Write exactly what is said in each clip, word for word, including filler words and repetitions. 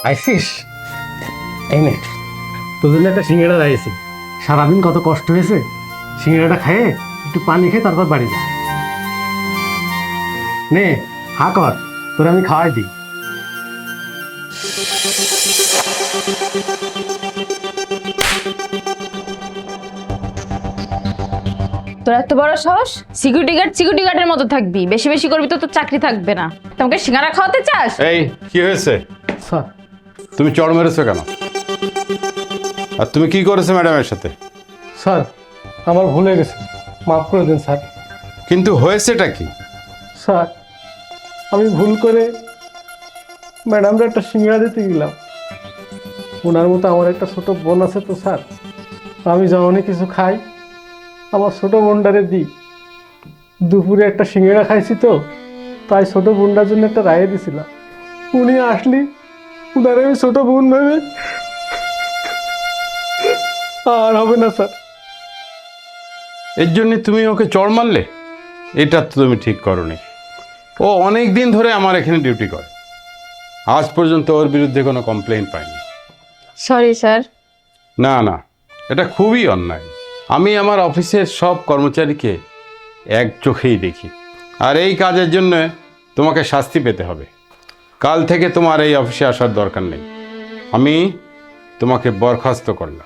ISIS এই নে তোর জন্য একটা সিঙ্গাড়া রাইছি। সারাদিন কত কষ্ট হয়েছে, সিঙ্গাড়াটা খেয়ে একটু পানি খেয়ে তারপর বাড়ি যা। নে হা কর, তোর আমি খাওয়াই দিই। তোর এত বড় সাহস, সিকিউরিটি গার্ড সিকিউরিটি গার্ডের মতো থাকবি, বেশি বেশি করবি তো তোর চাকরি থাকবে না। তোমাকে সিঙ্গারা খাওয়াতে চাস? এই কি হয়েছে? স্যার তুমি চড় মেরেছো কেন? আর তুমি কি করেছো ম্যাডামের সাথে? স্যার আমার ভুল হয়ে গেছে, মাফ করে দিন স্যার। কিন্তু হয়েছেটা কি? স্যার আমি ভুল করে ম্যাডামরা একটা সিঙ্গাড়া দিতে গেলাম। ওনার মতো আমার একটা ছোট বোন আছে তো স্যার, আমি যখনই কিছু খাই আমার ছোট বোনটারে দিই। দুপুরে একটা সিঙ্গাড়া খাইছি তো, তাই ছোট বোনটার জন্য একটা রায়ে দিছিলাম। উনি আসলি উনারে আমি ছোট বোন ভেবে আর হবে না স্যার। এর জন্য তুমি ওকে চড় মারলে? এটা তো তুমি ঠিক করোনি। ও অনেক দিন ধরে আমার এখানে ডিউটি করে, আজ পর্যন্ত ওর বিরুদ্ধে কোনো কমপ্লেইন পাইনি। Sorry sir. না না, এটা খুবই অন্যায়। আমি আমার অফিসের সব কর্মচারীকে এক চোখেই দেখি, আর এই কাজের জন্য তোমাকে শাস্তি পেতে হবে। কাল থেকে তোমার এই অফিসে আসার দরকার নেই, আমি তোমাকে বরখাস্ত করলাম।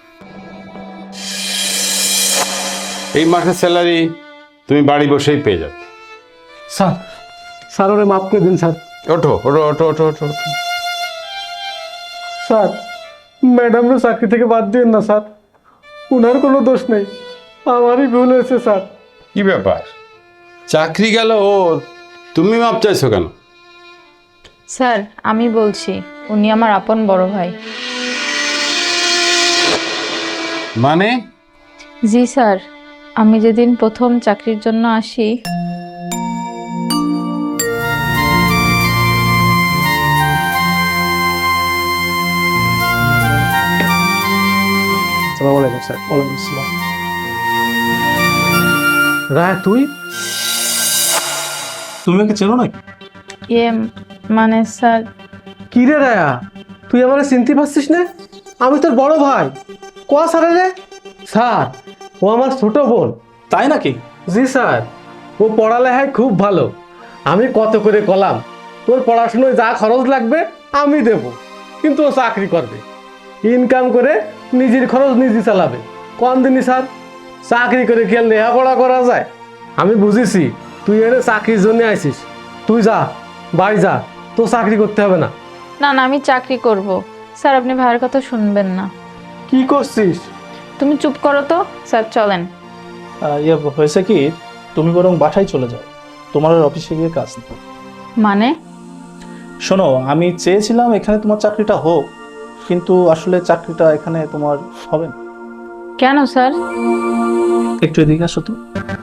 এই মাসের স্যালারি তুমি বাড়ি বসেই পেয়ে যাবে। স্যার স্যার ওরে মাফ করে দিন স্যার। ওঠো ওঠো ওঠো ওঠো ওঠো ওঠো। স্যার ম্যাডামরা চাকরি থেকে বাদ দিন না স্যার, উনার কোনো দোষ নেই, আমারই ভুল হয়েছে স্যার। কি ব্যাপার, চাকরি গেল ওর, তুমি মাপ চাইছো কেন? স্যার আমি বলছি, উনি আমার আপন বড় ভাই। মানে? জি স্যার, আমি যেদিন প্রথম চাকরির জন্য আসি আসসালামু আলাইকুম স্যার। ওয়ালাইকুম আসসালাম। রায় তুই তুমি ওকে চেনো নাকি? ইয়ে মানে স্যার, কি রে রায়া, তুই আমার চিনতে পারছিস না? আমি তোর বড় ভাই। কোয়া স্যার রে? স্যার ও আমার ছোট বোন। তাই নাকি? জি স্যার, ও পড়ালেখায় খুব ভালো। আমি কত করে কলাম তোর পড়াশোনায় যা খরচ লাগবে আমি দেব, কিন্তু ও চাকরি করবে, ইনকাম করে নিজের খরচ নিজে চালাবে। কোন দিনই স্যার চাকরি করে কি আর লেখাপড়া করা যায়? আমি বুঝেছি তুই এনে চাকরির জন্য আইসিস, তুই যা বাড়ি যা, তো চাকরি করতে হবে না। না না আমি চাকরি করব। স্যার আপনি ভাইয়ের কথা শুনবেন না। কি করছিস? তুমি চুপ করো তো। স্যার চলেন। আহ, ইয়ে হয়েছে কি, তুমি বরং বাসায় চলে যাও, তোমার আর অফিসে গিয়ে কাজ নেই। মানে? শোনো, আমি চেয়েছিলাম এখানে তোমার চাকরিটা হোক, কিন্তু আসলে চাকরিটা এখানে তোমার হবে না। কেন স্যার? একটু এদিকে আসো তো।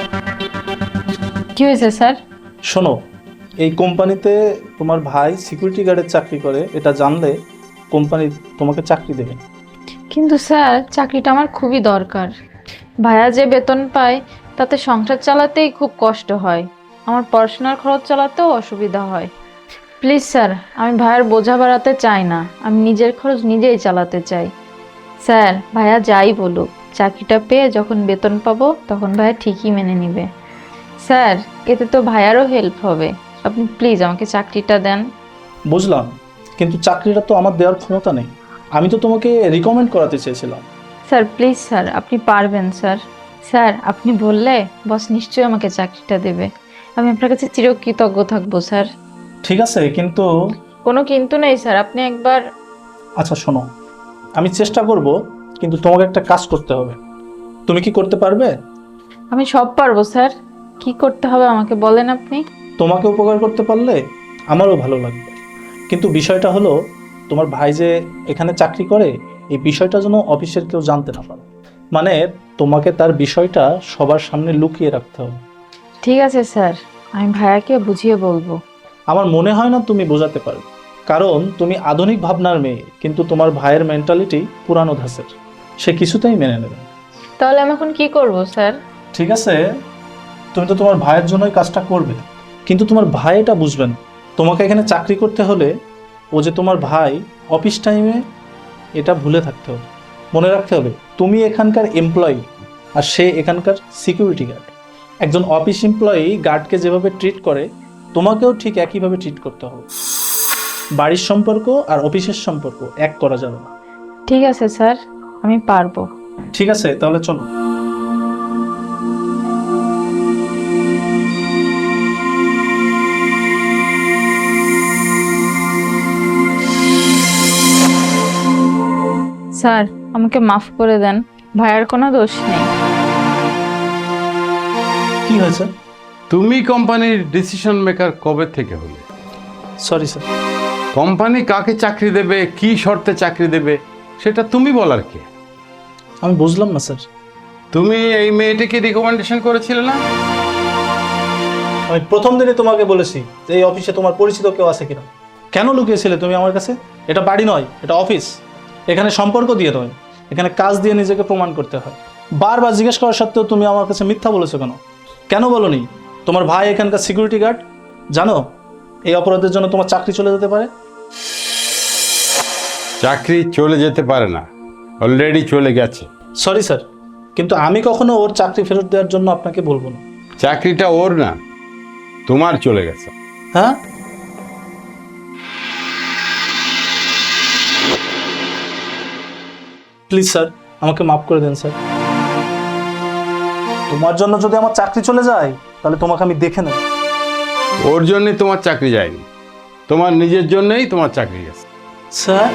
কি হয়েছে স্যার? শোনো, এই কোম্পানিতে তোমার ভাই সিকিউরিটি গার্ডের চাকরি করে, এটা জানলে কোম্পানি তোমাকে চাকরি দেবে না। কিন্তু স্যার চাকরিটা আমার খুবই দরকার। ভাইয়া যে বেতন পায় তাতে সংসার চালাতেই খুব কষ্ট হয়, আমার পড়াশোনার খরচ চালাতেও অসুবিধা হয়। প্লিজ স্যার, আমি ভাইয়ার বোঝা বাড়াতে চাই না, আমি নিজের খরচ নিজেই চালাতে চাই। স্যার ভাইয়া যাই বলুক, চাকরিটা পেয়ে যখন বেতন পাবো তখন ভাইয়া ঠিকই মেনে নেবে। স্যার এতে তো ভাইয়ারও হেল্প হবে, আপনি প্লিজ আমাকে চাকরিটা দেন। বুঝলাম, কিন্তু চাকরিটা তো আমার দেওয়ার ক্ষমতা নেই, আমি তো তোমাকে রিকমেন্ড করাতে চেয়েছিলাম। স্যার প্লিজ স্যার, আপনি পারবেন স্যার। স্যার আপনি বললে বস নিশ্চয়ই আমাকে চাকরিটা দেবে, আমি আপনার কাছে চিরকৃতজ্ঞ থাকবো স্যার। ঠিক আছে, কিন্তু কোনো কিন্তু নেই স্যার, আপনি একবার। আচ্ছা শোনো, আমি চেষ্টা করব, কিন্তু তোমাকে একটা কাজ করতে হবে। তুমি কি করতে পারবে? আমি সব পারবো স্যার, কি করতে হবে আমাকে বলেন আপনি। তোমাকে উপকার করতে পারলে আমারও ভালো লাগবে, কিন্তু বিষয়টা হলো তোমার ভাই যে এখানে চাকরি করে এই বিষয়টা যেন অফিসের কেউ জানতে না পারে। মানে তোমাকে তার বিষয়টা সবার সামনে লুকিয়ে রাখতে হবে। ঠিক আছে স্যার, আমি ভাইয়াকে বুঝিয়ে বলবো। আমার মনে হয় না তুমি বোঝাতে পারবে, কারণ তুমি আধুনিক ভাবনার মেয়ে, কিন্তু তোমার ভাইয়ের মেন্টালিটি পুরানো ধাঁচের, সে কিছুতেই মেনে নেবে না। তাহলে আমি এখন কি করব স্যার? ঠিক আছে, তুমি তো তোমার ভাইয়ের জন্যই কাজটা করবে, কিন্তু তোমার ভাই এটা বুঝবে না। তোমাকে এখানে চাকরি করতে হলে ও যে তোমার ভাই অফিস টাইমে, এটা ভুলে থাকতে হবে, মনে রাখতে হবে তুমি এখানকার এমপ্লয়ি আর সে এখানকার সিকিউরিটি গার্ড। একজন অফিস এমপ্লয়ি গার্ডকে যেভাবে ট্রিট করে তোমাকেও ঠিক একইভাবে ট্রিট করতে হবে। বাড়ির সম্পর্ক আর অফিসের সম্পর্ক এক করা যাবে না। ঠিক আছে স্যার, আমি পারবো। ঠিক আছে, তাহলে চলো। স্যার, আমাকে মাফ করে দেন, ভাইয়ার কোনো দোষ নেই। কি হয়েছে? তুমি কোম্পানির ডিসিশন মেকার কবে থেকে হলে? Sorry sir. কোম্পানি কাকে চাকরি দেবে, কি শর্তে চাকরি দেবে, সেটা তুমি বলার কে? আমি বুঝলাম না স্যার। তুমি এই মেয়েটিকে রিকমেন্ডেশন করেছিলে না? আমি প্রথম দিনে তোমাকে বলেছি যে এই অফিসে তোমার পরিচিত কেউ আছে কিনা। কেন লুকিয়েছিলে তুমি আমার কাছে? এটা বাড়ি নয়, এটা অফিস। এখানে সম্পর্ক দিয়ে নয়, এখানে কাজ দিয়ে নিজেকে প্রমাণ করতে হয়। বারবার জিজ্ঞেস করা সত্ত্বেও তুমি আমার কাছে মিথ্যা বলেছো কেন? কেন বলোনি তোমার ভাই এখানকার সিকিউরিটি গার্ড? জানো এই অপরাধের জন্য তোমার চাকরি চলে যেতে পারে। চাকরি চলে যেতে পারে না, অলরেডি চলে গেছে। সরি স্যার, কিন্তু আমি কখনো ওর চাকরি ফেরত দেওয়ার জন্য আপনাকে বলবো না। চাকরিটা ওর না, তোমার চলে গেছে। হ্যাঁ, প্লিজ স্যার, আমাকে মাফ করে দেন স্যার। তোমার জন্য যদি আমার চাকরি চলে যায় তাহলে তোমাকে আমি দেখে নেব। ওর জন্যে তোমার চাকরি যায়নি, তোমার নিজের জন্যই তোমার চাকরি গেছে। স্যার,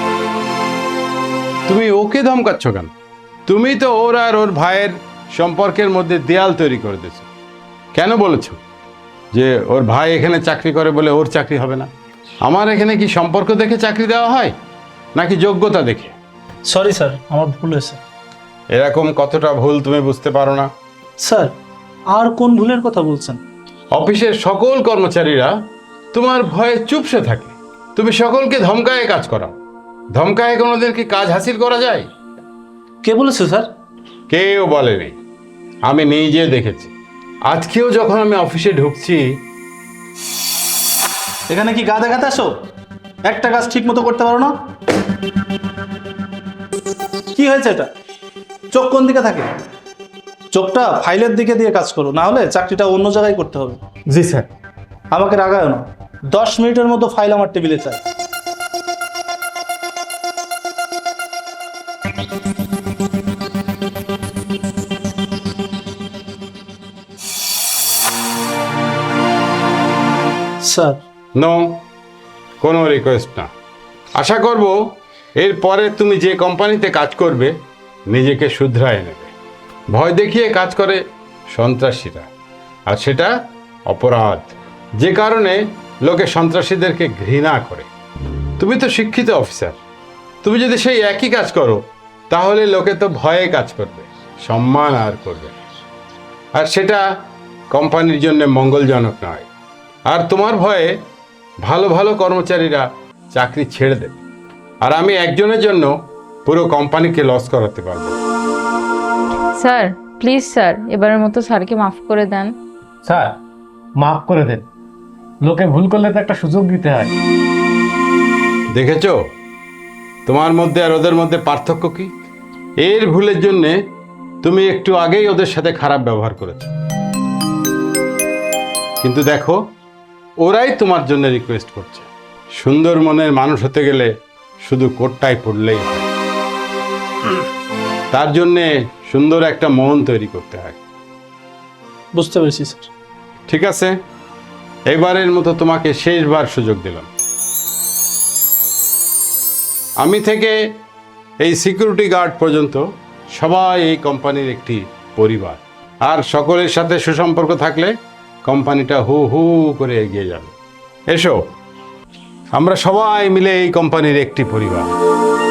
তুমি ওকে ধমকাচ্ছ কেন? তুমি তো ওর আর ওর ভাইয়ের সম্পর্কের মধ্যে দেয়াল তৈরি করে দিয়েছো। কেন বলেছো যে ওর ভাই এখানে চাকরি করে বলে ওর চাকরি হবে না? আমার এখানে কি সম্পর্ক দেখে চাকরি দেওয়া হয় নাকি যোগ্যতা দেখে? সরি স্যার, আমার ভুল হয়েছে। এরকম কতটা ভুল তুমি বুঝতে পারো না? স্যার, আর কোন ভুলের কথা বলছেন? অফিসের সকল কর্মচারীরা তোমার ভয়ে চুপসে থাকে, তুমি সকলকে ধমকায়ে কাজ করাও। ধমকায়ে কোনোদিন কি কাজ হাসিল করা যায়? কে বলেছে স্যার? কেউ বলেনি, আমি নিজে দেখেছি। আজকেও যখন আমি অফিসে ঢুকছি, এখানে কি গা দেখাতে আসো? একটা কাজ ঠিক মতো করতে পারো না? কি হয়েছে এটা? চোখ কোন দিকে থাকে? চোখটা ফাইলের দিকে দিয়ে কাজ করো, না হলে চাকরিটা অন্য জায়গায় করতে হবে। জি স্যার। আমাকে রাগায় না, দশ মিনিটের মতো ফাইল আমার টেবিলে চাই। স্যার, নো, কোনো রিকোয়েস্ট না। আশা করব এরপরে তুমি যে কোম্পানিতে কাজ করবে নিজেকে শুধরায় নেবে। ভয় দেখিয়ে কাজ করে সন্ত্রাসীরা, আর সেটা অপরাধ, যে কারণে লোকে সন্ত্রাসীদেরকে ঘৃণা করে। তুমি তো শিক্ষিত অফিসার, তুমি যদি সেই একই কাজ করো তাহলে লোকে তো ভয়ে কাজ করবে, সম্মান আর করবে, আর সেটা কোম্পানির জন্য মঙ্গলজনক নয়। আর তোমার ভয়ে ভালো ভালো কর্মচারীরা চাকরি ছেড়ে দেবে, আর আমি একজনের জন্য পুরো কোম্পানিকে লস করাতে পারবো। স্যার প্লিজ স্যার, এবারের মতো স্যারকে মাফ করে দেন। স্যার, মাফ করে দেন। লোকে ভুল করলে তো একটা সুযোগ দিতে হয়। দেখেছো তোমার মধ্যে আর ওদের মধ্যে পার্থক্য কি? এর ভুলের জন্যে তুমি একটু আগেই ওদের সাথে খারাপ ব্যবহার করেছো, কিন্তু দেখো ওরাই তোমার জন্য রিকোয়েস্ট করছে। সুন্দর মনের মানুষ হতে গেলে শুধু কোটটাই পড়লেই হয়, তার জন্যে সুন্দর একটা মন তৈরি করতে হয়। বুঝতে পেরেছি স্যার। ঠিক আছে, এবারের মতো তোমাকে শেষবার সুযোগ দিলাম। আমি থেকে এই সিকিউরিটি গার্ড পর্যন্ত সবাই এই কোম্পানির একটি পরিবার, আর সকলের সাথে সুসম্পর্ক থাকলে কোম্পানিটা হু হু করে এগিয়ে যাবে। এসো, আমরা সবাই মিলে এই কোম্পানির একটি পরিবার।